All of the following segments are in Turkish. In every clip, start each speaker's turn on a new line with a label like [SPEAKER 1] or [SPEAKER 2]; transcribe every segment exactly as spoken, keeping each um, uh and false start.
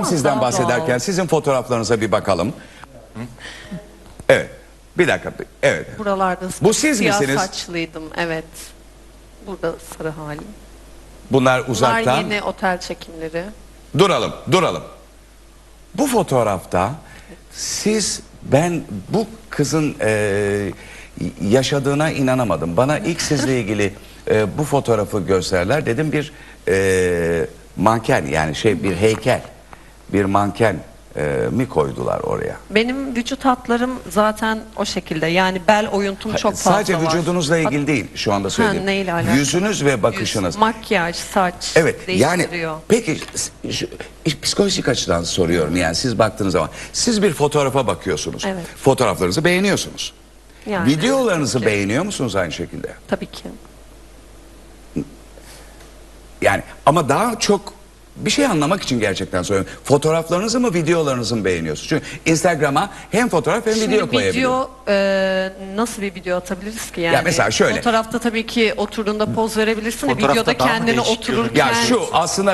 [SPEAKER 1] Sizden
[SPEAKER 2] Daha
[SPEAKER 1] bahsederken
[SPEAKER 2] doğal.
[SPEAKER 1] sizin fotoğraflarınıza bir bakalım. Evet. Bir dakika. Evet.
[SPEAKER 2] Buralarda
[SPEAKER 1] Bu siz
[SPEAKER 2] siyah
[SPEAKER 1] misiniz?
[SPEAKER 2] saçlıydım. Evet. Burada sarı halim.
[SPEAKER 1] Bunlar
[SPEAKER 2] Bunlar
[SPEAKER 1] uzaktan.
[SPEAKER 2] yeni otel çekimleri.
[SPEAKER 1] Duralım, duralım. Bu fotoğrafta siz, ben bu kızın e, yaşadığına inanamadım. Bana ilk sizle ilgili e, bu fotoğrafı gösterler. Dedim bir e, manken, yani şey, bir heykel, bir manken e, mi koydular oraya?
[SPEAKER 2] Benim vücut hatlarım zaten o şekilde. Yani bel oyuntum çok fazla
[SPEAKER 1] Sadece
[SPEAKER 2] var.
[SPEAKER 1] vücudunuzla ilgili değil şu anda söylediğim.
[SPEAKER 2] neyle alakalı?
[SPEAKER 1] Yüzünüz ve bakışınız.
[SPEAKER 2] Yüz, makyaj, saç
[SPEAKER 1] Evet, yani
[SPEAKER 2] değiştiriyor.
[SPEAKER 1] peki şu, psikolojik açıdan soruyorum, yani siz baktığınız zaman siz bir fotoğrafa bakıyorsunuz.
[SPEAKER 2] Evet.
[SPEAKER 1] Fotoğraflarınızı beğeniyorsunuz.
[SPEAKER 2] Yani,
[SPEAKER 1] Videolarınızı
[SPEAKER 2] tabii ki.
[SPEAKER 1] beğeniyor musunuz aynı şekilde?
[SPEAKER 2] Tabii ki.
[SPEAKER 1] Yani ama daha çok bir şey anlamak için gerçekten soruyorum. Fotoğraflarınızı mı, videolarınızı mı beğeniyorsunuz? Çünkü Instagram'a hem fotoğraf hem
[SPEAKER 2] Şimdi
[SPEAKER 1] video koyabiliyorum.
[SPEAKER 2] video e, nasıl bir video atabiliriz ki yani?
[SPEAKER 1] Ya mesela şöyle.
[SPEAKER 2] Fotoğrafta tabii ki oturduğunda poz verebilirsin. de
[SPEAKER 3] Fotoğrafta
[SPEAKER 2] Videoda
[SPEAKER 3] daha mı
[SPEAKER 2] kendini
[SPEAKER 3] değişik
[SPEAKER 2] otururken.
[SPEAKER 1] Ya şu aslında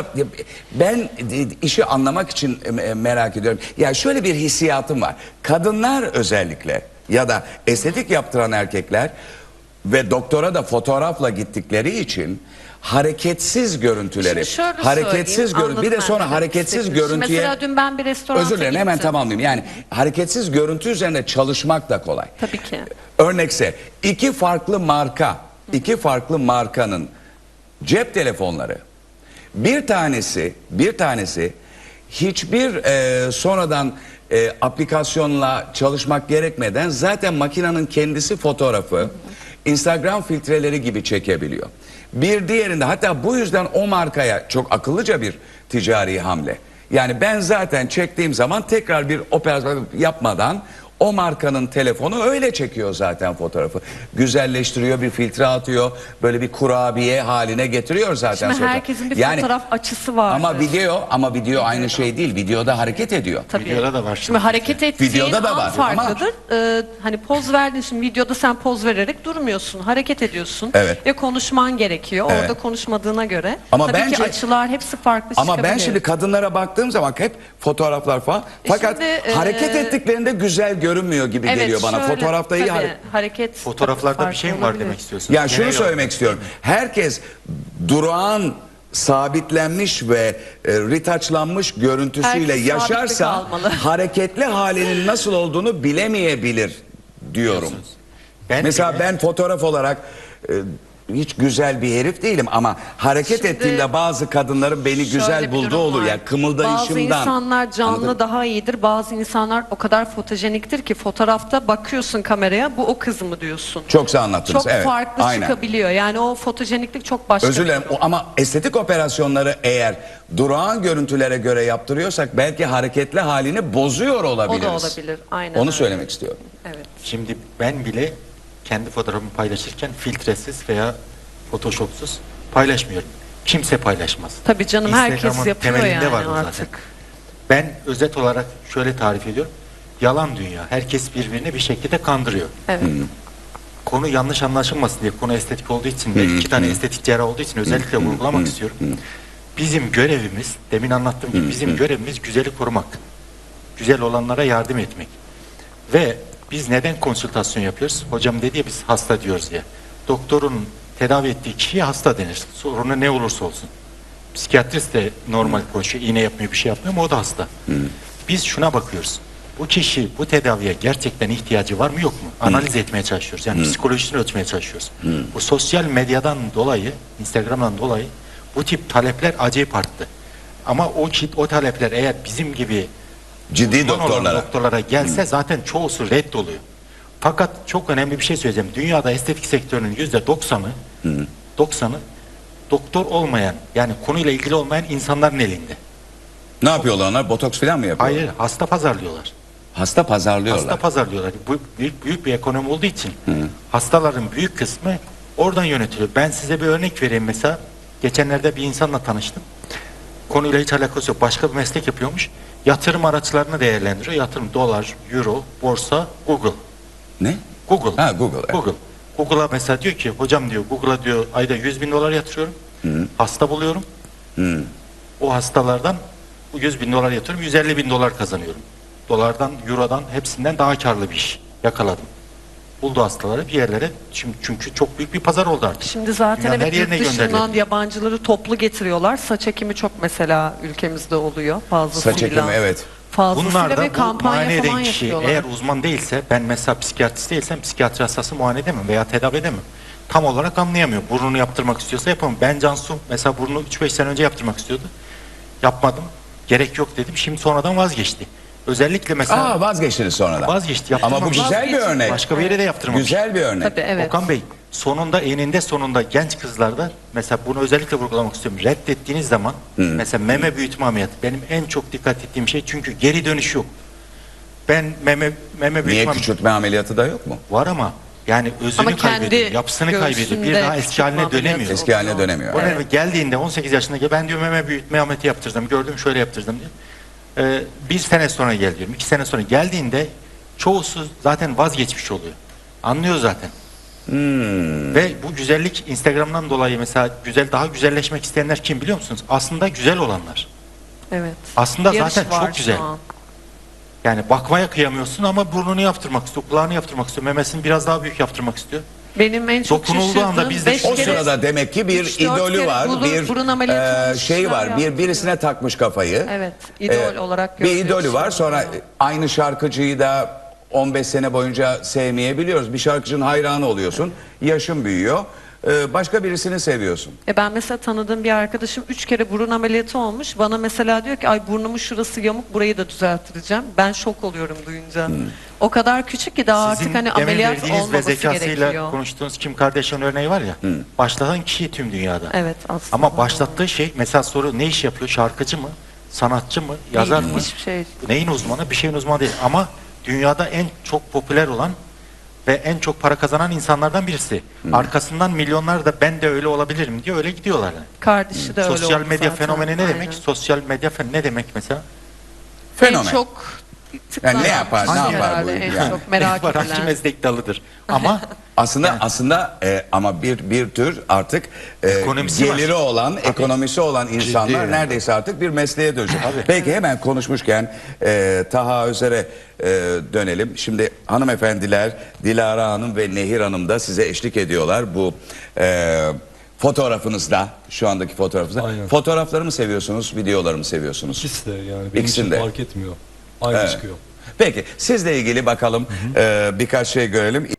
[SPEAKER 1] ben işi anlamak için merak ediyorum. Ya şöyle bir hissiyatım var. Kadınlar özellikle ya da estetik yaptıran erkekler ve doktora da fotoğrafla gittikleri için hareketsiz görüntüleri,
[SPEAKER 2] Şimdi şöyle
[SPEAKER 1] hareketsiz
[SPEAKER 2] söyleyeyim,
[SPEAKER 1] görüntü, bir de
[SPEAKER 2] anladım
[SPEAKER 1] sonra
[SPEAKER 2] ben demek
[SPEAKER 1] hareketsiz
[SPEAKER 2] istediğinizi.
[SPEAKER 1] görüntüye.
[SPEAKER 2] Mesela dün ben bir restoranta
[SPEAKER 1] Özür dilerim, hemen
[SPEAKER 2] gittim.
[SPEAKER 1] tamamlayayım. Yani hareketsiz görüntü üzerine çalışmak da kolay.
[SPEAKER 2] Tabii ki.
[SPEAKER 1] Örnekse iki farklı marka, iki farklı markanın cep telefonları. Bir tanesi, bir tanesi hiçbir e, sonradan e, aplikasyonla çalışmak gerekmeden zaten makinenin kendisi fotoğrafı Instagram filtreleri gibi çekebiliyor. Bir diğerinde, hatta bu yüzden o markaya çok akıllıca bir ticari hamle. Yani ben zaten çektiğim zaman tekrar bir operasyon yapmadan o markanın telefonu öyle çekiyor zaten fotoğrafı. Güzelleştiriyor, bir filtre atıyor, böyle bir kurabiye haline getiriyor zaten.
[SPEAKER 2] Şimdi
[SPEAKER 1] sonra.
[SPEAKER 2] herkesin bir
[SPEAKER 1] Yani,
[SPEAKER 2] fotoğraf açısı var.
[SPEAKER 1] ama video, ama video aynı şey değil. Videoda hareket ediyor.
[SPEAKER 2] Tabii.
[SPEAKER 3] Videoda da var
[SPEAKER 2] Şimdi
[SPEAKER 3] şimdi.
[SPEAKER 2] hareket ettiğin
[SPEAKER 1] Videoda da
[SPEAKER 2] an
[SPEAKER 1] var
[SPEAKER 2] farklıdır. Ee, hani poz verdin, şimdi videoda sen poz vererek durmuyorsun. Hareket ediyorsun.
[SPEAKER 1] Evet.
[SPEAKER 2] Ve konuşman gerekiyor.
[SPEAKER 1] Evet.
[SPEAKER 2] Orada konuşmadığına göre.
[SPEAKER 1] Ama
[SPEAKER 2] Tabii
[SPEAKER 1] bence-
[SPEAKER 2] ki açılar hepsi farklı
[SPEAKER 1] Ama ben
[SPEAKER 2] çıkabilir.
[SPEAKER 1] şimdi kadınlara baktığım zaman hep fotoğraflar falan. Fakat
[SPEAKER 2] şimdi, e,
[SPEAKER 1] hareket ettiklerinde güzel görünmüyor gibi
[SPEAKER 2] Evet,
[SPEAKER 1] geliyor bana.
[SPEAKER 2] şöyle,
[SPEAKER 1] Fotoğrafta iyi
[SPEAKER 2] tabii,
[SPEAKER 1] hareket.
[SPEAKER 2] hareket.
[SPEAKER 3] Fotoğraflarda
[SPEAKER 2] tabii
[SPEAKER 3] bir şey mi
[SPEAKER 2] farklı
[SPEAKER 3] var
[SPEAKER 2] olabilir.
[SPEAKER 3] demek istiyorsun?
[SPEAKER 1] Ya şunu
[SPEAKER 3] Genel
[SPEAKER 1] söylemek
[SPEAKER 3] olarak.
[SPEAKER 1] istiyorum. Herkes durağan, sabitlenmiş ve e, ritaçlanmış görüntüsüyle
[SPEAKER 2] Herkes
[SPEAKER 1] yaşarsa
[SPEAKER 2] sabitlik almalı.
[SPEAKER 1] hareketli halinin nasıl olduğunu bilemeyebilir diyorum.
[SPEAKER 3] Ben
[SPEAKER 1] Mesela
[SPEAKER 3] bile-
[SPEAKER 1] ben fotoğraf olarak e, hiç güzel bir herif değilim ama hareket
[SPEAKER 2] Şimdi
[SPEAKER 1] ettiğimde bazı kadınların beni
[SPEAKER 2] Şöyle
[SPEAKER 1] güzel
[SPEAKER 2] bir
[SPEAKER 1] bulduğu
[SPEAKER 2] durum
[SPEAKER 1] olur
[SPEAKER 2] var.
[SPEAKER 1] ya, kımıldayışımdan.
[SPEAKER 2] Bazı insanlar canlı
[SPEAKER 1] Anladın?
[SPEAKER 2] daha iyidir. Bazı insanlar o kadar fotojeniktir ki fotoğrafta bakıyorsun kameraya, bu o kız mı diyorsun.
[SPEAKER 1] Çok güzel anlattınız.
[SPEAKER 2] Çok
[SPEAKER 1] evet.
[SPEAKER 2] farklı
[SPEAKER 1] Aynen.
[SPEAKER 2] çıkabiliyor. Yani o fotojeniklik çok başka.
[SPEAKER 1] Özür
[SPEAKER 2] bir
[SPEAKER 1] dilerim
[SPEAKER 2] durum.
[SPEAKER 1] o- ama estetik operasyonları eğer durağan görüntülere göre yaptırıyorsak belki hareketli halini bozuyor olabiliriz.
[SPEAKER 2] olabilir, aynen
[SPEAKER 1] Onu
[SPEAKER 2] öyle.
[SPEAKER 1] söylemek istiyorum.
[SPEAKER 2] Evet.
[SPEAKER 3] Şimdi ben bile kendi fotoğrafımı paylaşırken filtresiz veya photoshopsuz paylaşmıyorum. Kimse paylaşmaz.
[SPEAKER 2] Tabii canım, herkes
[SPEAKER 3] Instagram'ın
[SPEAKER 2] yapıyor
[SPEAKER 3] temelinde
[SPEAKER 2] yani
[SPEAKER 3] var bu
[SPEAKER 2] artık.
[SPEAKER 3] zaten. Ben özet olarak şöyle tarif ediyorum. Yalan dünya. Herkes birbirini bir şekilde kandırıyor.
[SPEAKER 2] Evet.
[SPEAKER 3] Konu yanlış anlaşılmasın diye, konu estetik olduğu için ve iki tane estetik cerrah olduğu için özellikle vurgulamak istiyorum. Bizim görevimiz, demin anlattığım gibi bizim görevimiz güzeli korumak. Güzel olanlara yardım etmek. Ve biz neden konsültasyon yapıyoruz? Hocam dedi ya, biz hasta diyoruz diye. Doktorun tedavi ettiği kişiye hasta denir. Sorunu ne olursa olsun. Psikiyatrist de normal konuşuyor, iğne yapmıyor, bir şey yapmıyor ama o da hasta. Biz şuna bakıyoruz. Bu kişi bu tedaviye gerçekten ihtiyacı var mı yok mu? Analiz etmeye çalışıyoruz. Yani psikolojisini ölçmeye çalışıyoruz. Bu sosyal medyadan dolayı, Instagram'dan dolayı bu tip talepler acayip arttı. Ama o kit, o talepler eğer bizim gibi
[SPEAKER 1] Ciddi
[SPEAKER 3] uzman olan
[SPEAKER 1] doktorlara.
[SPEAKER 3] doktorlara gelse zaten çoğusu reddoluyor. Fakat çok önemli bir şey söyleyeceğim. Dünyada estetik sektörünün yüzde doksanı doksanı doktor olmayan, yani konuyla ilgili olmayan insanların elinde.
[SPEAKER 1] Ne yapıyorlar onlar? Botoks falan mı yapıyorlar?
[SPEAKER 3] Hayır, hasta pazarlıyorlar.
[SPEAKER 1] Hasta pazarlıyorlar.
[SPEAKER 3] Hasta pazarlıyorlar. Bu büyük, büyük bir ekonomi olduğu için hastaların büyük kısmı oradan yönetiliyor. Ben size bir örnek vereyim mesela. Geçenlerde bir insanla tanıştım. Konuyla hiç alakası yok. Başka bir meslek yapıyormuş. Yatırım araçlarını değerlendiriyor. Yatırım dolar, euro, borsa, Google.
[SPEAKER 1] Ne?
[SPEAKER 3] Google.
[SPEAKER 1] Ha, Google, evet.
[SPEAKER 3] Google. Google'a mesela diyor ki, hocam diyor, Google'a diyor ayda yüz bin dolar yatırıyorum. Hasta buluyorum. O hastalardan Bu yüz bin dolar yatırıyorum, yüz elli bin dolar kazanıyorum. Dolardan, eurodan hepsinden daha karlı bir iş yakaladım. Buldu hastaları bir yerlere. Şimdi çünkü çok büyük bir pazar oldu artık.
[SPEAKER 2] Şimdi zaten
[SPEAKER 3] Dünyanın
[SPEAKER 2] evet
[SPEAKER 3] her yerine
[SPEAKER 2] yurt dışından
[SPEAKER 3] gönderiliyor.
[SPEAKER 2] yabancıları toplu getiriyorlar. Saç ekimi çok mesela ülkemizde oluyor fazlasıyla.
[SPEAKER 1] Saç ekimi, evet.
[SPEAKER 2] Fazlasıyla
[SPEAKER 3] Bunlar
[SPEAKER 2] ve
[SPEAKER 3] da bu
[SPEAKER 2] kampanya
[SPEAKER 3] muayene
[SPEAKER 2] falan
[SPEAKER 3] eden kişi
[SPEAKER 2] yapıyorlar.
[SPEAKER 3] eğer uzman değilse, ben mesela psikiyatrist değilsem psikiyatri hastası muayene edemem veya tedavi edemem. Tam olarak anlayamıyor. Burnunu yaptırmak istiyorsa yapamam. Ben Cansu mesela burnunu üç beş sene önce yaptırmak istiyordu. Yapmadım. Gerek yok dedim. Şimdi sonradan vazgeçti. Özellikle mesela
[SPEAKER 1] Aa, vazgeçtiniz sonradan.
[SPEAKER 3] vazgeçti.
[SPEAKER 1] Ama bu
[SPEAKER 3] yaptırmamış.
[SPEAKER 1] güzel bir
[SPEAKER 2] Vazgeçin.
[SPEAKER 1] örnek.
[SPEAKER 3] Başka bir yere de yaptırmamış.
[SPEAKER 1] Güzel bir örnek.
[SPEAKER 2] Tabii evet.
[SPEAKER 3] Okan Bey, sonunda eninde sonunda genç kızlarda mesela bunu özellikle vurgulamak istiyorum. Reddettiğiniz zaman mesela meme büyütme ameliyatı benim en çok dikkat ettiğim şey, çünkü geri dönüş yok. Ben meme meme büyütme
[SPEAKER 1] Niye
[SPEAKER 3] am-
[SPEAKER 1] küçültme ameliyatı da yok mu?
[SPEAKER 3] var ama yani özünü
[SPEAKER 2] Ama kendi
[SPEAKER 3] kaybediyor, yapısını kaybediyor. Bir
[SPEAKER 2] göğsünde
[SPEAKER 3] daha eski haline
[SPEAKER 2] küçültme
[SPEAKER 3] dönemiyor.
[SPEAKER 2] ameliyatı
[SPEAKER 1] Eski haline
[SPEAKER 2] oluyor.
[SPEAKER 1] dönemiyor.
[SPEAKER 3] O
[SPEAKER 1] Evet.
[SPEAKER 3] nedenle geldiğinde on sekiz yaşında gel, ben diyor meme büyütme ameliyatı yaptırdım. Gördüm şöyle yaptırdım diyor. Ee, bir sene sonra gel diyorum. iki sene sonra geldiğinde çoğusu zaten vazgeçmiş oluyor. Anlıyor zaten.
[SPEAKER 1] Hmm.
[SPEAKER 3] Ve bu güzellik Instagram'dan dolayı mesela güzel daha güzelleşmek isteyenler kim biliyor musunuz? Aslında güzel olanlar.
[SPEAKER 2] Evet.
[SPEAKER 3] Aslında
[SPEAKER 2] Yarış
[SPEAKER 3] zaten
[SPEAKER 2] var
[SPEAKER 3] çok
[SPEAKER 2] şu
[SPEAKER 3] güzel.
[SPEAKER 2] an.
[SPEAKER 3] Yani bakmaya kıyamıyorsun ama burnunu yaptırmak istiyor, kulağını yaptırmak istiyor, memesini biraz daha büyük yaptırmak istiyor.
[SPEAKER 2] Benim en çok
[SPEAKER 3] Dokunulduğu anda
[SPEAKER 2] şaşırdığım
[SPEAKER 3] biz de
[SPEAKER 2] beş
[SPEAKER 3] şu-
[SPEAKER 1] O
[SPEAKER 2] kere
[SPEAKER 1] sırada demek ki bir
[SPEAKER 2] üç, dört
[SPEAKER 1] idolü
[SPEAKER 2] kere
[SPEAKER 1] var,
[SPEAKER 2] burun-
[SPEAKER 1] bir
[SPEAKER 2] burun ameliyatı
[SPEAKER 1] e,
[SPEAKER 2] olmuş
[SPEAKER 1] şey
[SPEAKER 2] kişiler
[SPEAKER 1] var, bir
[SPEAKER 2] yaptırıyor.
[SPEAKER 1] birisine takmış kafayı.
[SPEAKER 2] Evet, idol olarak
[SPEAKER 1] Bir
[SPEAKER 2] gördüğü
[SPEAKER 1] idolü var.
[SPEAKER 2] kişiler
[SPEAKER 1] Sonra
[SPEAKER 2] oluyor.
[SPEAKER 1] aynı şarkıcıyı da on beş sene boyunca sevmeyebiliyoruz. Bir şarkıcının hayranı oluyorsun. Yaşın büyüyor. E, başka birisini seviyorsun.
[SPEAKER 2] E ben mesela tanıdığım bir arkadaşım üç kere burun ameliyatı olmuş. Bana mesela diyor ki ay burnumun şurası yamuk, burayı da düzelttireceğim. Ben şok oluyorum duyunca. O kadar küçük ki daha
[SPEAKER 3] Sizin
[SPEAKER 2] artık hani
[SPEAKER 3] demin
[SPEAKER 2] ameliyat
[SPEAKER 3] verdiğiniz ve
[SPEAKER 2] olmaması
[SPEAKER 3] zekasıyla
[SPEAKER 2] gerekiyor.
[SPEAKER 3] konuştuğunuz Kim Kardashian örneği var ya, başlatan kişi tüm dünyada.
[SPEAKER 2] Evet aslında.
[SPEAKER 3] Ama başlattığı şey, mesela soru ne iş yapıyor? Şarkıcı mı? Sanatçı mı? Yazar
[SPEAKER 2] Değil,
[SPEAKER 3] mı?
[SPEAKER 2] hiçbir şey.
[SPEAKER 3] Neyin uzmanı? Bir şeyin uzmanı değil. Ama dünyada en çok popüler olan ve en çok para kazanan insanlardan birisi. Arkasından milyonlar da ben de öyle olabilirim diye öyle gidiyorlar. Yani.
[SPEAKER 2] Kardeşi de öyle
[SPEAKER 3] Sosyal
[SPEAKER 2] oldu
[SPEAKER 3] medya
[SPEAKER 2] zaten.
[SPEAKER 3] fenomeni ne
[SPEAKER 2] Aynen.
[SPEAKER 3] demek? Sosyal medya fen ne demek mesela?
[SPEAKER 1] Fenomen.
[SPEAKER 2] En çok
[SPEAKER 1] Yani ne yapar,
[SPEAKER 2] tıklanan
[SPEAKER 1] ne
[SPEAKER 2] kişi
[SPEAKER 1] yapar bu
[SPEAKER 2] herhalde, en
[SPEAKER 1] yani?
[SPEAKER 2] çok merak
[SPEAKER 3] Var, hangi
[SPEAKER 2] edilen.
[SPEAKER 3] meslek dalıdır? Ama
[SPEAKER 1] Aslında aslında e, ama bir bir tür artık e,
[SPEAKER 3] Ekonomisi var.
[SPEAKER 1] geliri olan, ekonomisi olan insanlar
[SPEAKER 4] yani.
[SPEAKER 1] neredeyse artık bir mesleğe dönecek. Peki hemen konuşmuşken e, Taha Özer'e e, dönelim. Şimdi hanımefendiler Dilara Hanım ve Nehir Hanım da size eşlik ediyorlar bu e, fotoğrafınızda, şu andaki fotoğrafınızda.
[SPEAKER 4] Aynen.
[SPEAKER 1] Fotoğrafları mı seviyorsunuz, videoları mı seviyorsunuz?
[SPEAKER 4] İkisi de yani benim
[SPEAKER 1] İkisini
[SPEAKER 4] için
[SPEAKER 1] de.
[SPEAKER 4] fark etmiyor. Aynı
[SPEAKER 1] Evet.
[SPEAKER 4] çıkıyor.
[SPEAKER 1] Peki sizle ilgili bakalım e, birkaç şey görelim.